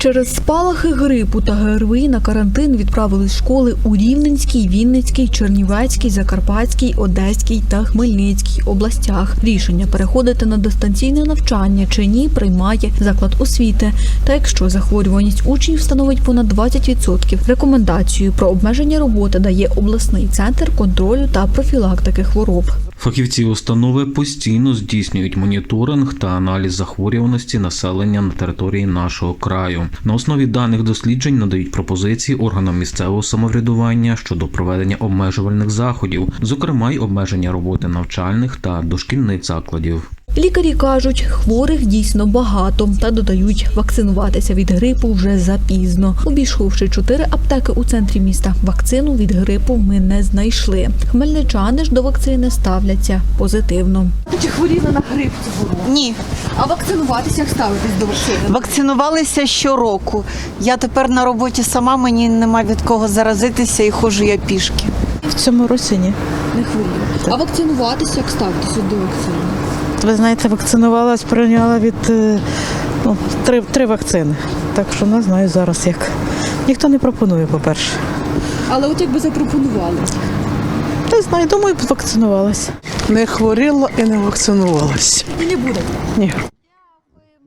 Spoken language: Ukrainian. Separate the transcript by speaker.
Speaker 1: Через спалахи грипу та ГРВІ на карантин відправили школи у Рівненській, Вінницькій, Чернівецькій, Закарпатській, Одеській та Хмельницькій областях. Рішення переходити на дистанційне навчання чи ні приймає заклад освіти. Та якщо захворюваність учнів становить понад 20%, рекомендацію про обмеження роботи дає обласний центр контролю та профілактики хвороб.
Speaker 2: Фахівці установи постійно здійснюють моніторинг та аналіз захворюваності населення на території нашого краю. На основі даних досліджень надають пропозиції органам місцевого самоврядування щодо проведення обмежувальних заходів, зокрема й обмеження роботи навчальних та дошкільних закладів.
Speaker 1: Лікарі кажуть, хворих дійсно багато та додають, вакцинуватися від грипу вже запізно. Обійшовши 4 аптеки у центрі міста, вакцину від грипу ми не знайшли. Хмельничани ж до вакцини ставляться позитивно. Чи хворіли на грип цього року?
Speaker 3: Ні.
Speaker 1: А вакцинуватися, як ставитись до вакцини?
Speaker 3: Вакцинувалися щороку. Я тепер на роботі сама, мені нема від кого заразитися і ходжу я пішки.
Speaker 4: В цьому році ні.
Speaker 1: Не хворіли. А вакцинуватися, як ставитися до вакцини?
Speaker 4: Ви знаєте, вакцинувалась, прийняла від три вакцини. Так що не знаю зараз як. Ніхто не пропонує, по-перше.
Speaker 1: Але от якби запропонували?
Speaker 4: Не знаю, думаю, вакцинувалася.
Speaker 5: Не хворіла і не вакцинувалася.
Speaker 1: І не буде?
Speaker 5: Ні.